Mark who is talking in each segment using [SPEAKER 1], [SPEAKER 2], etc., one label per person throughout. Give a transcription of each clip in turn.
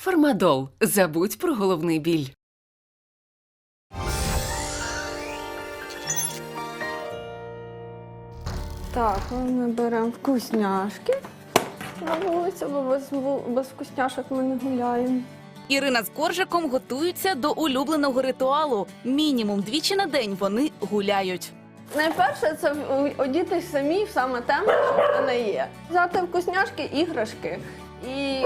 [SPEAKER 1] Фармадол. Забудь про головний біль.
[SPEAKER 2] Так, ми беремо вкусняшки на вулицю, бо без вкусняшок ми не гуляємо.
[SPEAKER 3] Ірина з Коржиком готуються до улюбленого ритуалу. Мінімум двічі на день вони гуляють.
[SPEAKER 2] Найперше це одітись самі в саме те, що в мене є. Взяти вкусняшки, іграшки і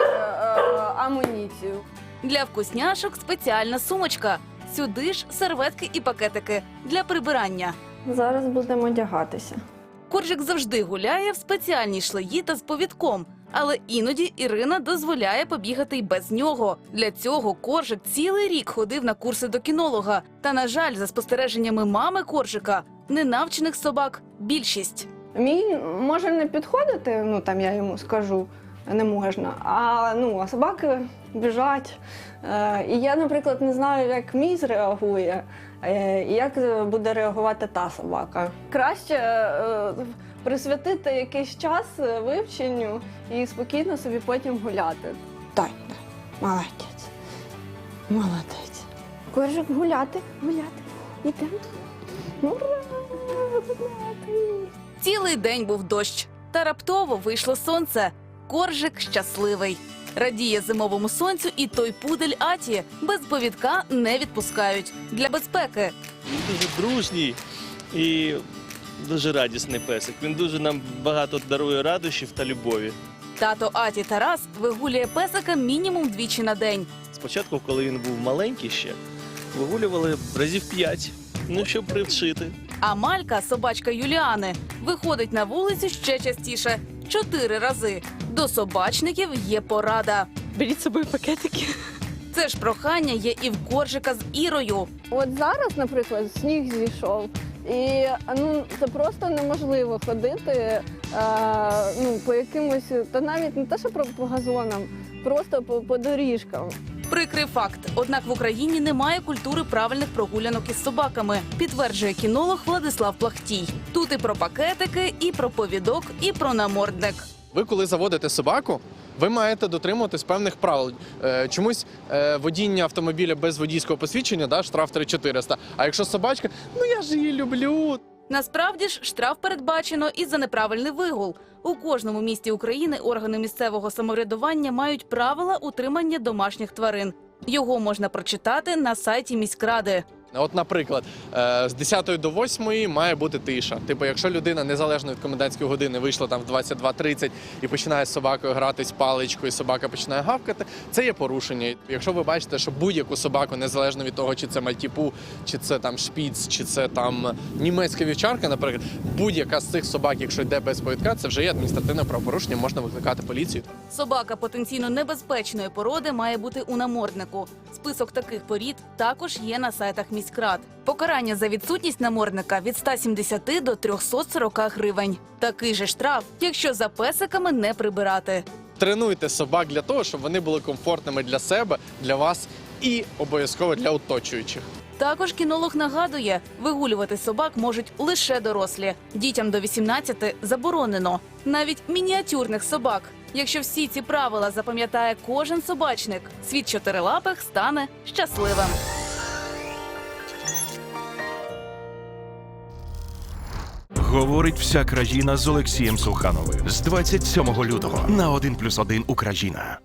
[SPEAKER 2] амуніцію.
[SPEAKER 3] Для вкусняшок спеціальна сумочка. Сюди ж серветки і пакетики для прибирання.
[SPEAKER 2] Зараз будемо одягатися.
[SPEAKER 3] Коржик завжди гуляє в спеціальній шлеї та з повідком. Але іноді Ірина дозволяє побігати й без нього. Для цього Коржик цілий рік ходив на курси до кінолога. Та, на жаль, за спостереженнями мами Коржика, ненавчених собак більшість.
[SPEAKER 2] Мій може не підходити, там я йому скажу, не можна, а собаки біжать. І я, наприклад, не знаю, як мій зреагує, і як буде реагувати та собака. Краще присвятити якийсь час вивченню і спокійно собі потім гуляти. Так, молодець, молодець. Коржик, гуляти, йдемо. Ура, гуляти.
[SPEAKER 3] Цілий день був дощ. Та раптово вийшло сонце. Коржик щасливий. Радіє зимовому сонцю і той пудель Аті. Без повідка не відпускають. Для безпеки.
[SPEAKER 4] Він дуже дружній і дуже радісний песик. Він дуже нам багато дарує радощів та любові.
[SPEAKER 3] Тато Аті Тарас вигулює песика мінімум двічі на день.
[SPEAKER 4] Спочатку, коли він був маленький ще, вигулювали разів 5, щоб привчити.
[SPEAKER 3] А Малька, собачка Юліани, виходить на вулицю ще частіше – 4 рази. До собачників є порада.
[SPEAKER 5] Беріть з собою пакетики.
[SPEAKER 3] Це ж прохання є і в Коржика з Ірою.
[SPEAKER 2] От зараз, наприклад, сніг зійшов, і це просто неможливо ходити по якимось, та навіть не те, що по газонам, просто по доріжкам.
[SPEAKER 3] Прикрий факт. Однак в Україні немає культури правильних прогулянок із собаками, підтверджує кінолог Владислав Плахтій. Тут і про пакетики, і про повідок, і про намордник.
[SPEAKER 6] Ви, коли заводите собаку, ви маєте дотримуватись певних правил. Чомусь водіння автомобіля без водійського посвідчення, штраф 3400. А якщо собачка, я ж її люблю.
[SPEAKER 3] Насправді ж штраф передбачено і за неправильний вигул. У кожному місті України органи місцевого самоврядування мають правила утримання домашніх тварин. Його можна прочитати на сайті міськради.
[SPEAKER 6] От, наприклад, з 10 до 8 має бути тиша. Якщо людина незалежно від комендантської години вийшла там в 22:30 і починає з собакою гратись паличкою, собака починає гавкати, це є порушення. Якщо ви бачите, що будь-яку собаку, незалежно від того, чи це мальтіпу, чи це там шпіц, чи це там німецька вівчарка, наприклад, будь-яка з цих собак, якщо йде без повідка, це вже є адміністративне правопорушення, можна викликати поліцію.
[SPEAKER 3] Собака потенційно небезпечної породи має бути у наморднику. Список таких порід також є на сайтах міськрад. Покарання за відсутність намордника від 170 до 340 гривень. Такий же штраф, якщо за песиками не прибирати.
[SPEAKER 6] Тренуйте собак для того, щоб вони були комфортними для себе, для вас і обов'язково для оточуючих.
[SPEAKER 3] Також кінолог нагадує, вигулювати собак можуть лише дорослі. Дітям до 18 заборонено. Навіть мініатюрних собак. Якщо всі ці правила запам'ятає кожен собачник, світ чотирилапих стане щасливим.
[SPEAKER 7] Говорить вся країна з Олексієм Сухановим з 27 лютого на 1+1 Україна.